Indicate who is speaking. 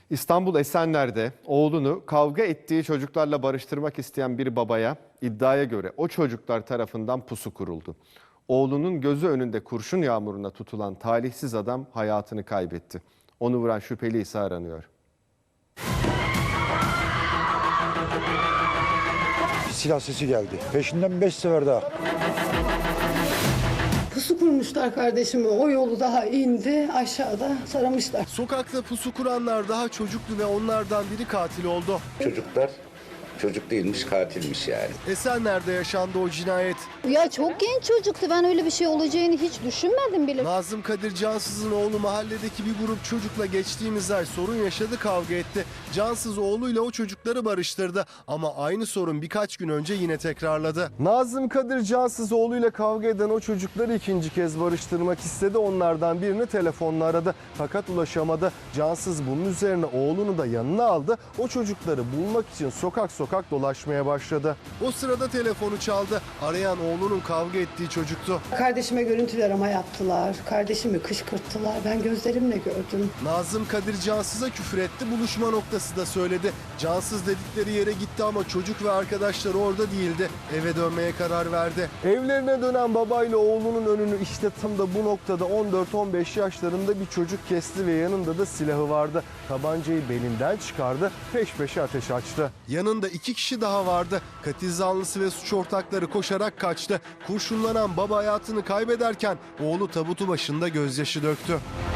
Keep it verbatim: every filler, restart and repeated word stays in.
Speaker 1: İstanbul Esenler'de oğlunu kavga ettiği çocuklarla barıştırmak isteyen bir babaya iddiaya göre o çocuklar tarafından pusu kuruldu. Oğlunun gözü önünde kurşun yağmuruna tutulan talihsiz adam hayatını kaybetti. Onu vuran şüpheli ise aranıyor.
Speaker 2: Silah sesi geldi. Peşinden beş sefer daha.
Speaker 3: Pusu kurmuşlar kardeşimi. O yolu daha indi. Aşağıda saramışlar.
Speaker 4: Sokakta pusu kuranlar daha çocuktu ve onlardan biri katil oldu.
Speaker 5: Çocuklar çocuk değilmiş, katilmiş yani.
Speaker 4: Esenler'de yaşandı o cinayet.
Speaker 6: Ya çok genç çocuktu. Ben öyle bir şey olacağını hiç düşünmedim bile.
Speaker 4: Nazım Kadir Cansız'ın oğlu mahalledeki bir grup çocukla geçtiğimiz ay sorun yaşadı, kavga etti. Cansız oğluyla o çocukları barıştırdı ama aynı sorun birkaç gün önce yine tekrarladı. Nazım Kadir Cansız oğluyla kavga eden o çocukları ikinci kez barıştırmak istedi. Onlardan birini telefonla aradı fakat ulaşamadı. Cansız bunun üzerine oğlunu da yanına aldı. O çocukları bulmak için sokak sokak dolaşmaya başladı. O sırada telefonu çaldı. Arayan oğlunun kavga ettiği çocuktu.
Speaker 3: Kardeşime görüntülü arama yaptılar. Kardeşimi kışkırttılar. Ben gözlerimle gördüm.
Speaker 4: Nazım Kadir Cansız'a küfür etti. Buluşma noktası da söyledi. Cansız dedikleri yere gitti ama çocuk ve arkadaşları orada değildi. Eve dönmeye karar verdi. Evlerine dönen babayla oğlunun önünü işte tam da bu noktada on dört on beş yaşlarında bir çocuk kesti ve yanında da silahı vardı. Tabancayı belinden çıkardı, peş peşe ateş açtı. Yanında iki kişi daha vardı. Katil zanlısı ve suç ortakları koşarak kaçtı. Kurşunlanan baba hayatını kaybederken oğlu tabutu başında gözyaşı döktü.